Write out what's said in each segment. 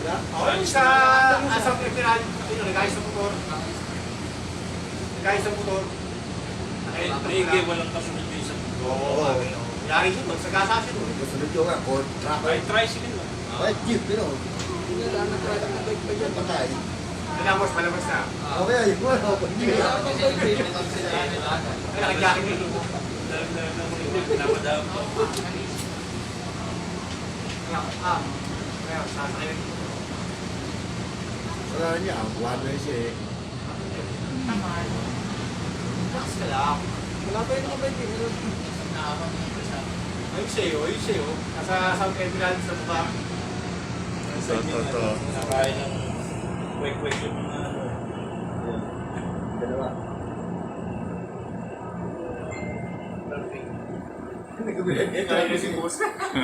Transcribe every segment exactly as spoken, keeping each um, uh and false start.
Okay, sa asang emerald, nagayos sa motor. Nagayos sa motor. Maigi, walang kasunod yung isang Oo, yari yun, magsagasa siya doon. Kasunod yung nga, or truck. Ay, tricycle lang. Kahit jeep, pero hindi na lang nag-truck na bike pa dyan, patay. Malabas, malabas na. Okay, ayun mo, hindi na lang bike. Ay, nakajacket yun. Napadam. Ah, kaya, sasakay rin. Wala niya, one way siya eh. Taman. Relax ka lang. Wala pa yung nakabike eh. Ayun sa'yo, ayun sa'yo. Nasa South Emerald sa mukha. Ito, ito, ito. Nakain ng kwek-kwek yung mga ano. Dalawa. Nagbibilang tayo si boss.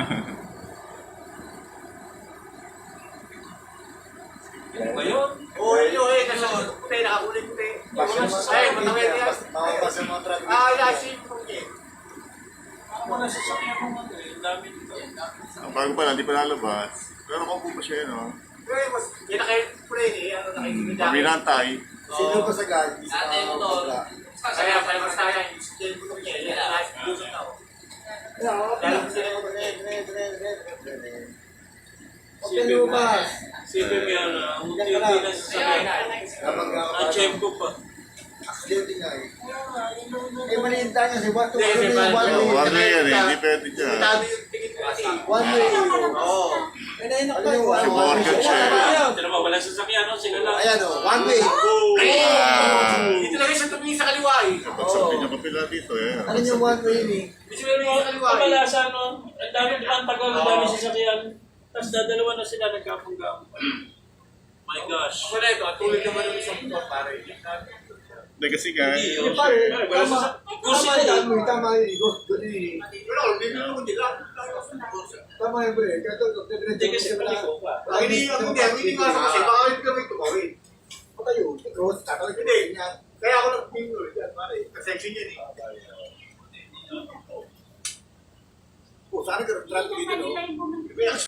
Ano ba yun? Oo, yun yun eh. Nasa puti, nakakulit puti. Ay, matangay niya. Makapas yung mga truck. Ah, yasi. Okay. Ako na sasakyan mo nga eh. Ang dami dito. Ang bago pa lang, di pa lalabas. Pero kung po pa siya, no? Pero mas, yun nakakulit eh. Ano, nakikita. Paminantay. Sino pa sa gali? Ate mo to. Kaya, kaya mas tayo. Yung motor niya. Yan, nasa puso na ako. Dahil ko sila yung motor niya. Okay, lumabas. Sipin mo yan, ah, ang unti-unti na sasakyan. Ang chef ko pa. Accidente nga eh. Eh, maliinta niya si Bato. Hindi, Ano si yung Bato. one way? One way yan eh, hindi pwede dyan. Dami yung tingin ko kasi. One way. Oo. Ano yung one way? Morgan siya. Ito naman, wala sasakyan, no? Sila lang. Ayan o, one way. Ah! Dito lang siya tumingin sa kaliwa eh. Kapag sabi niya kapila dito, eh. Ano yung one way ni? Dito lang tumingin sa kaliwa eh. Kamalasa, no? Ang dami ang tagal, ang dami sasakyan. Tapos dadalawa na sila nagkapong-gapong. My gosh. Ako na ito, at tulad naman ng isang motor pare. Hindi kasi nga, Hindi, Hindi oh. pa eh. Wala Tama. sa- Tama Gusto yan. ko. Tama yan. Gusto ni. Pero, hindi naman nila. Tama yan bro. Kato, Hindi kasi paliko pa. Ang hindi, ang hindi, ang hindi nga sa kasi, baka hindi kami tumawin. Patayo. Cross. Tatawag Hindi. Kaya ako lang tumingin ulit yan, pare. Ka-section yan eh. Oh, sana ka traffic dito, no?